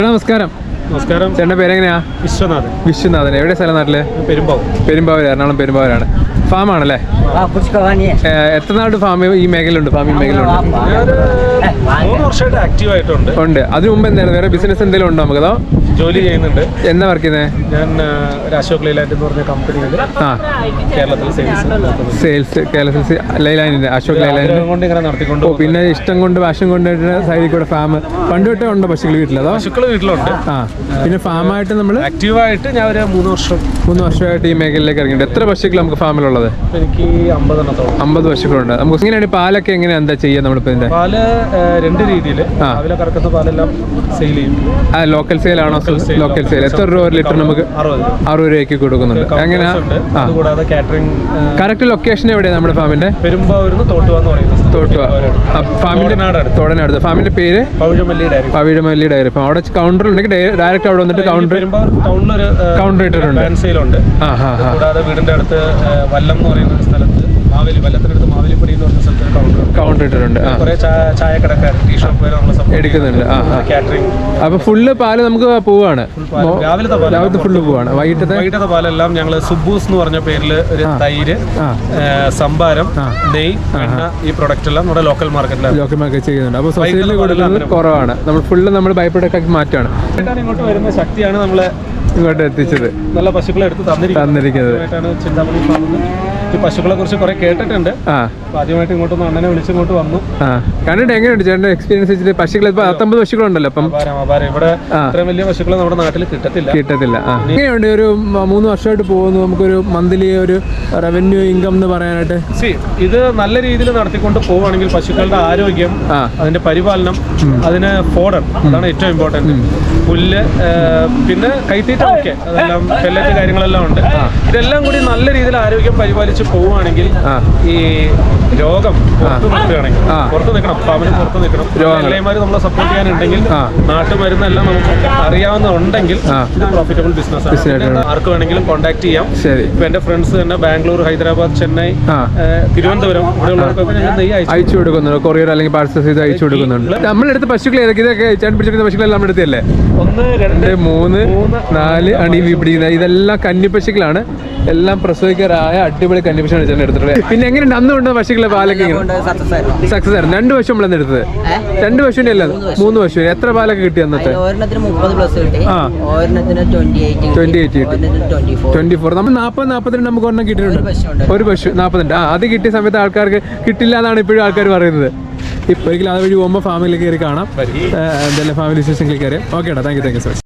നമസ്കാരം. നമസ്കാരം. ചേട്ടൻ്റെ പേരെങ്ങനെയാ? വിശ്വനാഥൻ. എവിടെ സ്ഥലം? നാട്ടില് പെരുമ്പാവൂർ, എറണാകുളം പെരുമ്പാവൂരാണ്. ഫാമാണല്ലേ? എത്ര നാട് ഫാമിംഗ് മേഖലയുണ്ട്? ഉണ്ട്. അതിനു മുമ്പ് എന്തായിരുന്നു വേറെ ബിസിനസ് എന്തെങ്കിലും ഉണ്ടോ? നമുക്ക് അതോ ജോലി ചെയ്യുന്നുണ്ട്. എന്താ വർക്ക് ചെയ്യുന്നത്? ഞാൻ ഒരു അശോക് ലൈലാൻഡ് എന്ന് പറഞ്ഞ കമ്പനിയിൽ കേരളത്തിൽ കേരളത്തിൽ ലൈലാൻഡിന്റെ അശോക് ലൈലാൻഡ് കൊണ്ട് ഇങ്ങനെ നടത്തിക്കൊണ്ട് പിന്നെ ഇഷ്ടം കൊണ്ട് വാഷം കൊണ്ട് സൈഡിൽ കൂടെ ഫാം പണ്ട് തൊട്ടേ ഉണ്ടോ പശുക്കൾ വീട്ടിൽ? അതോ പശുക്കൾ വീട്ടിലുണ്ട്. പിന്നെ ഫാമായിട്ട് നമ്മൾ ആക്റ്റീവായിട്ട് ഞാൻ ഒരു 3 വർഷമായിട്ട് ഈ മേഖലയിലേക്ക് ഇറങ്ങിയിട്ടുണ്ട്. എത്ര പശുക്കൾ നമുക്ക് ഫാമിലുള്ളത്? എനിക്ക് 50 പശുക്കളുണ്ട്. നമുക്ക് എങ്ങനെയാണ് പാലൊക്കെ എങ്ങനെയാ എന്താ ചെയ്യുക? നമ്മളിപ്പോ ഇതിന്റെ പാല് 2 രീതിയിൽ രാവിലെ കറക്കുന്ന പാലെല്ലാം സെയിൽ ചെയ്യും. ലോക്കൽ സെയിൽ ആണോ? Local sale. എത്ര രൂപ ലിറ്റർ? നമുക്ക് 60 രൂപയ്ക്ക് കൊടുക്കുന്നുണ്ട്. എങ്ങനെയാ? കൂടാതെ കാറ്ററിംഗ്. കറക്റ്റ് ലൊക്കേഷൻ എവിടെയാണ് നമ്മുടെ ഫാമിന്റെ? പെരുമ്പാവൂരിന്ന് തോട്ടുവ എന്ന് പറയുന്നത്. തോടനടുത്ത്. ഫാമിന്റെ പേര് പവിഴമല്ലി ഡയറി. അപ്പം അവിടെ കൗണ്ടർ ഉണ്ടെങ്കിൽ ഡയറക്റ്റ് അവിടെ വന്നിട്ട് കൗണ്ടർ ഇട്ടിട്ടുണ്ട്. കൂടാതെ വീടിന്റെ അടുത്ത് വല്ലം എന്ന് പറയുന്ന സ്ഥലത്ത് വല്ലത്തിനടുത്ത് മാവേലിപ്പടി എന്ന് പറഞ്ഞ സ്ഥലത്ത് കൗണ്ടർ ഇട്ടിട്ടുണ്ട്. കുറെ ചായക്കടക്കാർ ടീ ഷോപ്പ് എടുക്കുന്നുണ്ട്. കാറ്ററിംഗ്. അപ്പൊ ഫുള്ള് പാല് നമുക്ക് പോവാണ്. രാവിലത്തെ ഫുള്ള് പോവാണ്. വൈകിട്ടത്തെ പാലെല്ലാം ഞങ്ങള് സുബൂസ് എന്ന് പറഞ്ഞ പേരിൽ ഒരു തൈര്, സംഭാരം, നെയ്, എണ്ണ, ഈ പ്രൊഡക്റ്റ് എല്ലാം നമ്മുടെ ലോക്കൽ മാർക്കറ്റ് ചെയ്യുന്നുണ്ട്. അപ്പൊ സൊസൈറ്റിയിൽ കൊടുക്കുന്നത് കുറവാണ്. നമ്മൾ ഫുള്ള് നമ്മൾ ബൈ പ്രൊഡക്റ്റ് ആക്കി മാറ്റാണ്. ഇങ്ങോട്ട് വരുന്ന ശക്തിയാണ് നമ്മളെ ഇങ്ങോട്ട് എത്തിച്ചത്. നല്ല പശുക്കളെ എടുത്ത് തന്നിരിക്കുന്നത്. ചിന്താമണി ഫാമിൽ ഈ പശുക്കളെ കുറിച്ച് കുറെ കേട്ടിട്ടുണ്ട്. ആദ്യമായിട്ട് ഇങ്ങോട്ടൊന്ന് അണ്ണനെ വിളിച്ചിങ്ങോട്ട് വന്നു. കണ്ടിട്ട് എങ്ങനെയുണ്ട് ചേട്ടൻ്റെ എക്സ്പീരിയൻസ് വെച്ചിട്ട്? പശുക്കൾ ഇപ്പൊ 19 പശുക്കളുണ്ടല്ലോ. അപ്പം ഇവിടെ ഇത്രയും വലിയ പശുക്കളെ നമ്മുടെ നാട്ടിൽ കിട്ടത്തില്ല. എങ്ങനെയുണ്ട്? ഒരു 3 വർഷമായിട്ട് പോകുന്നു. നമുക്കൊരു മന്ത്ലി ഒരു റവന്യൂ ഇൻകം എന്ന് പറയാനായിട്ട് ഇത് നല്ല രീതിയിൽ നടത്തിക്കൊണ്ട് പോവുകയാണെങ്കിൽ പശുക്കളുടെ ആരോഗ്യം, അതിന്റെ പരിപാലനം, അതിന് ഫോഡർ, അതാണ് ഏറ്റവും ഇമ്പോർട്ടന്റ്. പുല്ല്, പിന്നെ കൈത്തീറ്റ, ഒക്കെ അതെല്ലാം പെല്ലറ്റ് കാര്യങ്ങളെല്ലാം ഉണ്ട്. ഇതെല്ലാം കൂടി നല്ല രീതിയിൽ ആരോഗ്യം പരിപാലിച്ച് പോവുകയാണെങ്കിൽ ഈ രോഗം പുറത്ത് നിൽക്കണം. ഫാമിന് പുറത്ത് നിൽക്കണം. രോഗങ്ങളെമാര് നമ്മളെ സപ്പോർട്ട് ചെയ്യാനുണ്ടെങ്കിൽ നാട്ടുമരുന്നെല്ലാം നമുക്ക് അറിയാവുന്നുണ്ടെങ്കിൽ ഇത് പ്രോഫിറ്റബിൾ ബിസിനസ്. ആർക്ക് വേണമെങ്കിലും കോൺടാക്ട് ചെയ്യാം. ഇപ്പൊ എന്റെ ഫ്രണ്ട്സ് തന്നെ ബാംഗ്ലൂർ, ഹൈദരാബാദ്, ചെന്നൈ, തിരുവനന്തപുരം ഇവിടെയുള്ളവർക്കൊക്കെ ഞങ്ങൾ നെയ്യ് അയച്ചു കൊടുക്കുന്നുണ്ട്. കൊറിയർ അല്ലെങ്കിൽ പാർസൽ ചെയ്ത് അയച്ചു കൊടുക്കുന്നുണ്ട്. നമ്മളെടുത്ത് പശുക്കൾ ഇതൊക്കെ ചേട്ടൻ പിടിച്ചിരിക്കുന്ന പശുക്കളെല്ലാം നമ്മുടെ അടുത്തല്ലേ? 1, 2, 3, 4 അണി പിടിക്കുന്ന ഇതെല്ലാം കന്നിപ്പശുക്കളാണ്. എല്ലാം പ്രസവിക്കാറായ അടിപൊളി കന്നിപ്പശുവാണ് ചേട്ടൻ എടുത്തിട്ടുള്ളത്. പിന്നെ എങ്ങനെയുണ്ട് അന്ന് കൊണ്ട് പശുക്കളെ പാലൊക്കെ? സക്സസ് ആയിരുന്നു. 2 പശു നമ്മളെന്ന് എടുത്തത്. 2 പശുവിന്റെ അല്ല, 3 പശു. എത്ര പാലൊക്കെ കിട്ടി അന്നത്തെ? 24. നമ്മൾ 40-42 നമുക്ക് ഒരെണ്ണം കിട്ടിയിട്ടുണ്ട്. ഒരു പശു 42. അത് കിട്ടിയ സമയത്ത് ആൾക്കാർക്ക് കിട്ടില്ല എന്നാണ് ഇപ്പോഴും ആൾക്കാർ പറയുന്നത്. ഇപ്പൊ ഒരിക്കലും അതുവഴി പോകുമ്പോൾ ഫാമിലി കയറി കാണാം. എന്തായാലും ഫാമിലി വിശേഷങ്ങളിൽ കയറി. Okay, thank you so much.